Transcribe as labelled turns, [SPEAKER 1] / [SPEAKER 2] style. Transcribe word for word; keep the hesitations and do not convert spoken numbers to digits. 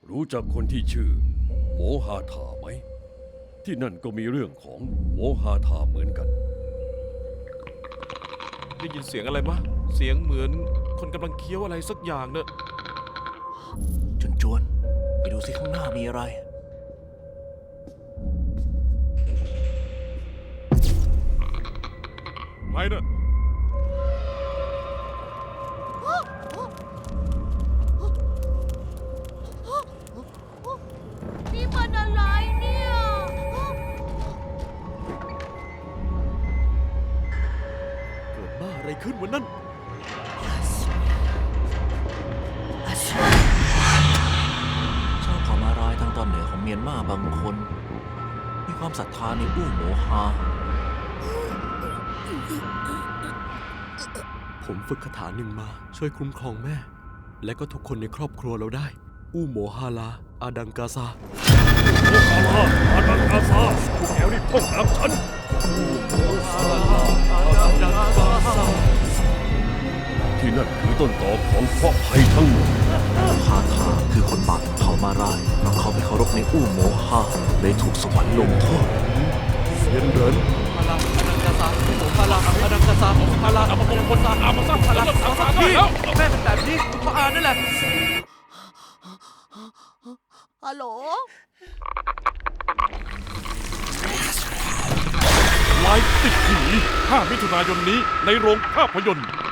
[SPEAKER 1] รู้จักคนที่ชื่อโมฮาธาไหมที่นั่นก็มีเรื่องของโมฮาธาเหมือนกัน
[SPEAKER 2] ได้ยินเสียงอะไรมะเสียงเหมือนคนกำลังเคี้ยวอะไรสักอย่างเนอะ
[SPEAKER 3] จวนจวนๆไปดูสิข้างหน้ามีอะไร
[SPEAKER 2] ใครเนอะ
[SPEAKER 4] นี่มันอะไรเนี่ย
[SPEAKER 2] เกิดบ้าอะไรขึ้นวันนั้น
[SPEAKER 3] ชาวเผ่ามารายทางตอนเหนือของเมียนมาบางคน มีความศรัทธาในอู้โมฮา
[SPEAKER 5] ผมฝึกคาถาหนึ่งมาช่วยคุ้มครองแม่ และก็ทุกคนในครอบครัวเราได้ อู้โมฮาลา อาดังกาซา
[SPEAKER 1] โมฮาลาอาดังกาซาพวกแกรีบท่องตามฉันที่นั่นคือต้นตอของเคราะห์ภัยทั้งหมด
[SPEAKER 3] ฮาทาคือคนบาปของเผ่ามารายเพราะเขาไม่เคารพในอู้โมฮาเลยถูกสวรรค์ลงโทษ
[SPEAKER 1] เซียนเหริน
[SPEAKER 5] พลังอาดังกาซาพลังอาดังกาซาพลังอัปมงคลอามาซัพพลังอาซัพพี่แม่เป็นแบบนี้เพราะอานั่นแหละ
[SPEAKER 4] ฮัลโหล
[SPEAKER 2] ไลฟ์ติดผีห้ามิถุนายนนี้ในโรงภาพยนตร์